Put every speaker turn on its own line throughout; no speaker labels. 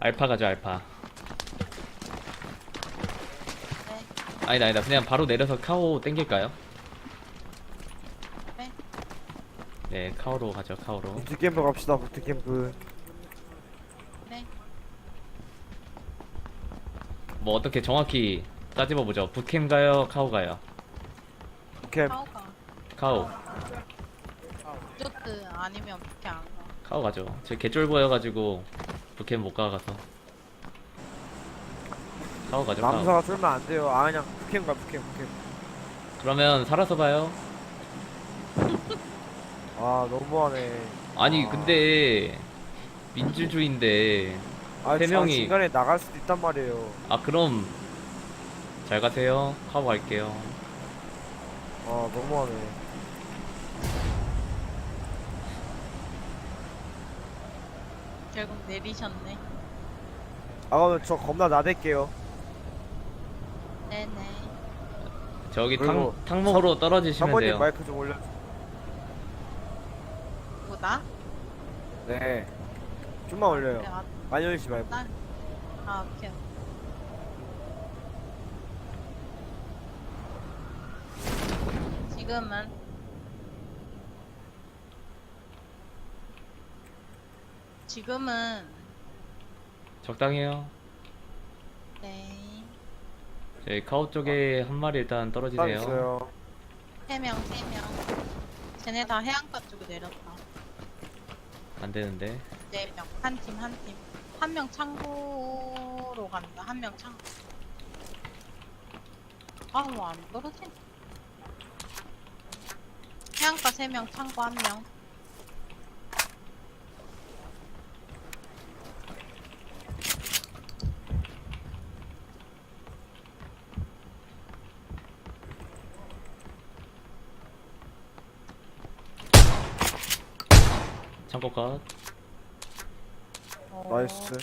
알파 가죠 알파.
네.
아니다 그냥 바로 내려서 카오 땡길까요?
네.
네 카오로 가죠 카오로.
부트캠프 갑시다. 부트캠프.
네.
뭐 어떻게 정확히 따집어보죠. 북캠 가요 카오 가요?
부캠.
카오가.
카오.
리조트 아니면 그렇게 안 가.
카오 가죠. 제 개쫄 보여가지고 북캠 못 가가서 카오 가죠 카오.
남사가 쫄면 안 돼요. 아 그냥 부캠 가. 부캠.
그러면 살아서 봐요.
아 너무하네.
아니
아.
근데 민주주의인데
아,
세 명이-
중간에 나갈 수도 있단 말이에요.
아 그럼 잘 가세요. 카오 갈게요.
아 너무하네.
결국 내리셨네.
아 그러면 저 겁나 나댈게요.
네네.
저기
그리고
탕목으로 떨어지시면
사모님
돼요.
마이크 좀 올려.
뭐다?
네. 좀만 올려요.
그래, 아,
많이 올리지 말고.
나? 아, 오케이. 지금은 지금은
적당해요.
네.
저희 카오 쪽에 한 마리 일단
땀
떨어지세요.
있어요.
3명. 쟤네 다 해안가 쪽에 내렸다.
안 되는데.
4명. 한 팀. 한 명 창고로 간다. 한 명 창고. 아, 뭐 안 떨어지네. 해안가 3명, 창고 1명.
창고 컷.
나이스.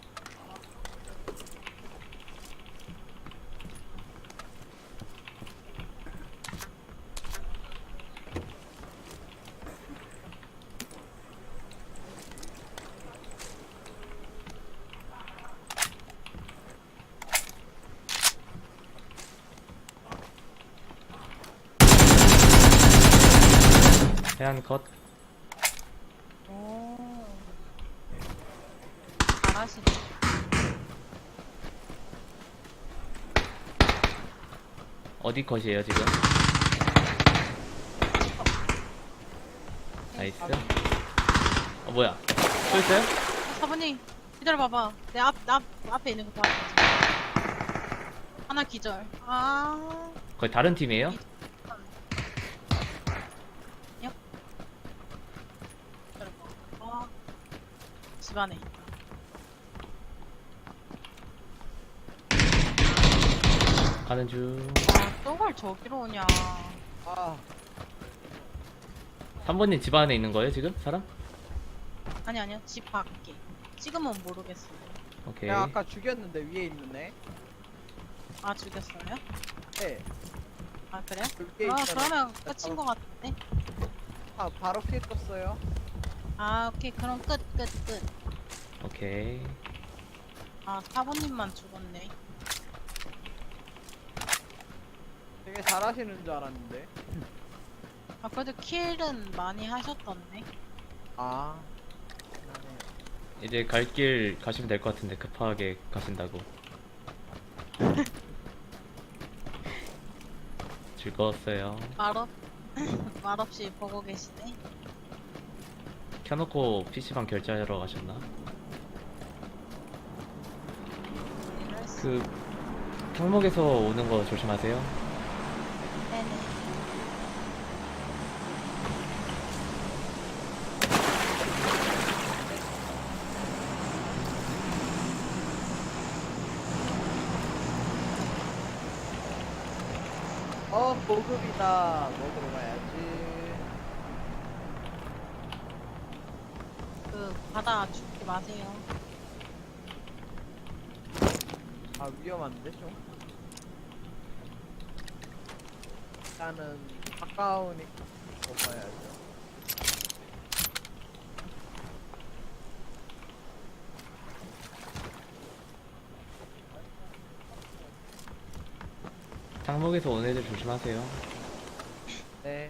해안 컷.
오. 잘하시네.
어디 컷이에요 지금? 나이스. 뭐야? 또 있어요?
사부님, 기다려봐봐. 내 앞에 있는 거 봐. 하나 기절. 아.
거의 다른 팀이에요?
어. 집안에 있다.
가는 중.
아, 또걸 저기로 오냐.
아
3번님 집 안에 있는 거예요 지금? 사람?
아니요. 집 밖에. 지금은 모르겠어요.
오케이.
내가 아까 죽였는데 위에 있는 애.
아, 죽였어요?
네.
아, 그래요?
위에
아,
있잖아.
그러면 끝인 것 같은데?
아 바로 피해 떴어요.
아, 오케이. 그럼 끝.
오케이.
아, 사부님만 죽었네.
되게 잘하시는 줄 알았는데.
아, 그래도 킬은 많이 하셨던데?
아.
이제 갈 길 가시면 될 것 같은데 급하게 가신다고. 즐거웠어요.
말없이 보고 계시네?
켜놓고 PC방 결제하러 가셨나? 그 탕목에서 오는 거 조심하세요.
네네.
보급이다. 먹으러 가야지.
그, 바다 죽지 마세요.
아 위험한데 좀. 일단은 가까우니까 먹어야죠.
상목에서 오는 애들 조심하세요.
네.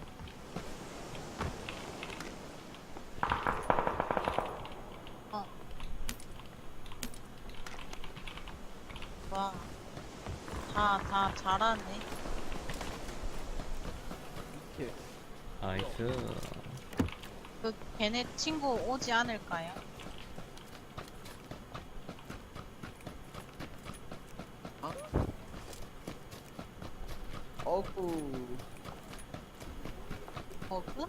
어. 와. 다 잘하네.
이렇게.
나이스.
그 걔네 친구 오지 않을까요?
어구.
버그?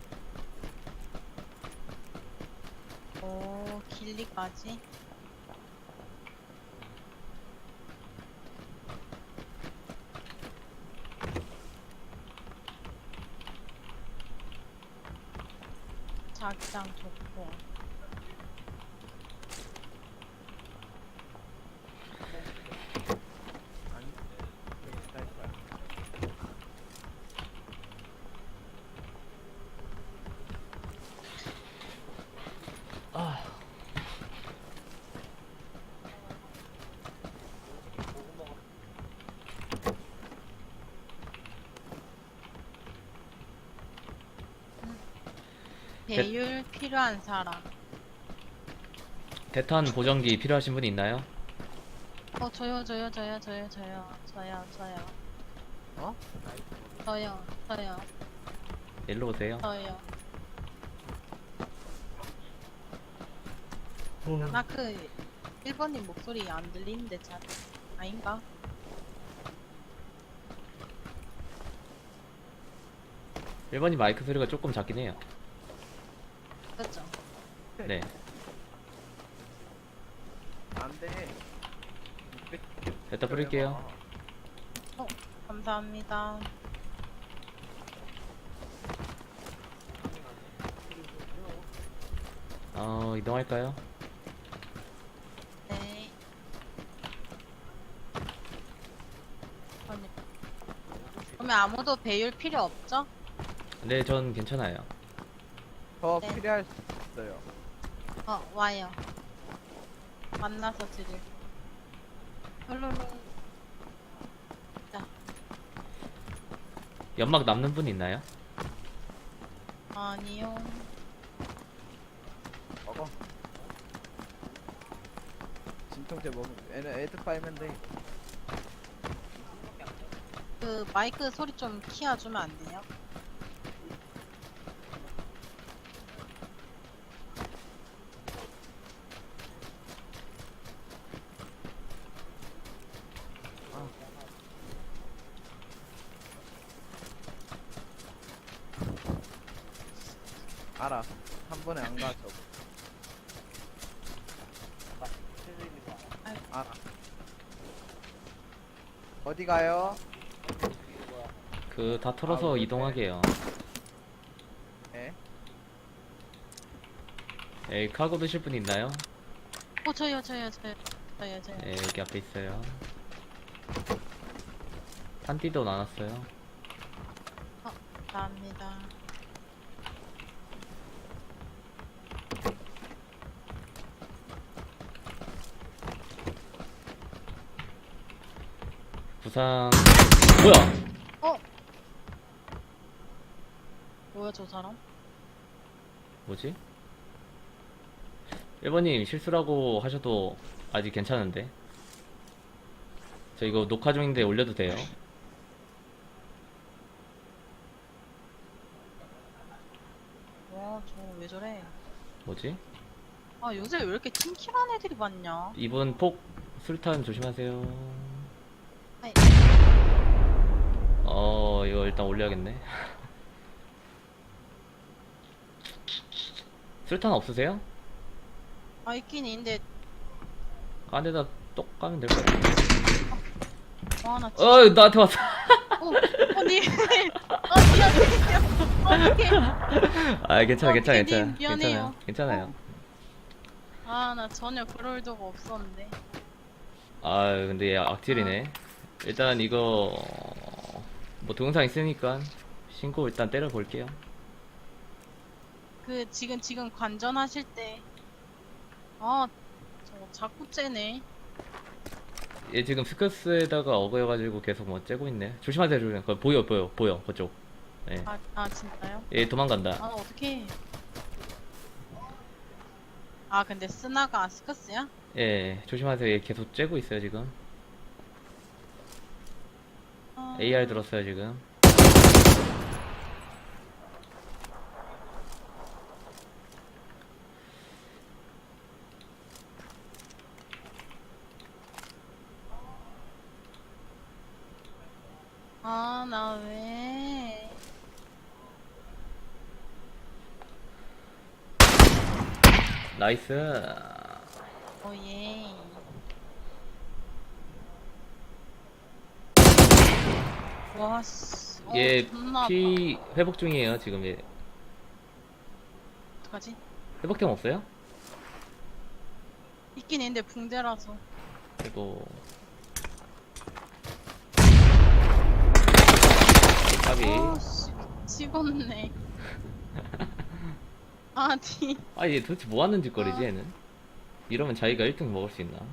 오, 길리까지? 자기장 좋고.
아니. 여기 갈 거야.
배율 필요한 사람.
대탄 보정기 필요하신 분 있나요?
저요.
어?
저요.
일로 오세요.
저요. 나 그 1번님 목소리 안 들리는데 잘 아닌가?
일본이 마이크 소리가 조금 작긴 해요.
그렇죠?
네.
안 돼.
됐다 뿌릴게요.
감사합니다.
이동할까요?
네. 아니, 그러면 아무도 배율 필요 없죠?
네, 전 괜찮아요.
더
네.
필요할 수 있어요.
와요. 만나서 드릴. 룰루루.
연막 남는 분 있나요?
아니요.
먹어. 진통제 먹으면 애들 빨면 돼.
그 마이크 소리 좀 키워주면 안 돼요?
알아. 한 번에 안 가죠. 알아. 어디 가요?
다 털어서
네.
이동하게요.
네.
에이, 카고 드실 분 있나요?
저요.
네, 여기 앞에 있어요. 탄띠도 나눴어요.
감사합니다.
부상. 뭐야?
뭐야 저 사람?
뭐지? 1번님 실수라고 하셔도 아직 괜찮은데. 저 이거 녹화 중인데 올려도 돼요?
와, 저 왜 저래?
뭐지?
아, 요새 왜 이렇게 팀킬한 애들이 많냐?
이분 폭 술탄 조심하세요.
아이.
이거 일단 올려야겠네. 술탄 없으세요?
있긴 있는데,
안에다 똑 까면 될 것 같아.
나 진짜.
나한테 왔어.
님. 미안해요. 어떡해.
괜찮아, 괜찮아,
님,
괜찮아.
미안해요.
괜찮아요.
나 전혀 그럴 적 없었는데.
근데 얘 악질이네. 일단 이거, 뭐 동영상 있으니까 신고 일단 때려볼게요.
지금 관전하실 때. 저거 자꾸 째네.
얘 지금 스커스에다가 어거여가지고 계속 뭐 째고 있네. 조심하세요, 조심. 거 보여, 그쪽. 예.
아 진짜요?
얘 도망간다.
아 어떡해. 아 근데 스나가 스커스야?
예, 조심하세요. 얘 계속 째고 있어요, 지금.
아,
AR 들었어요, 지금.
나 왜?
나이스.
예. 와 씨.
얘
존나 아파.
피 회복 중이에요, 지금 얘.
어떡하지?
회복템 없어요?
있긴 있는데 붕대라서.
그리고 까비.
아씨 미치겠네. 아니.
아, 얘 도대체 뭐 하는 짓거리지, 얘는? 이러면 자기가 1등 먹을 수 있나?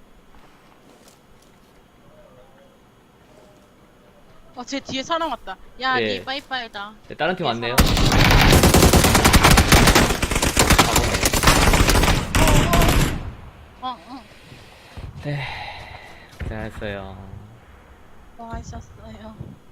제 뒤에 사람 왔다. 야,
예.
니 빠이빠이다.
네, 다른 팀 왔네요.
응.
네, 고생하셨어요.
뭐 하셨어요?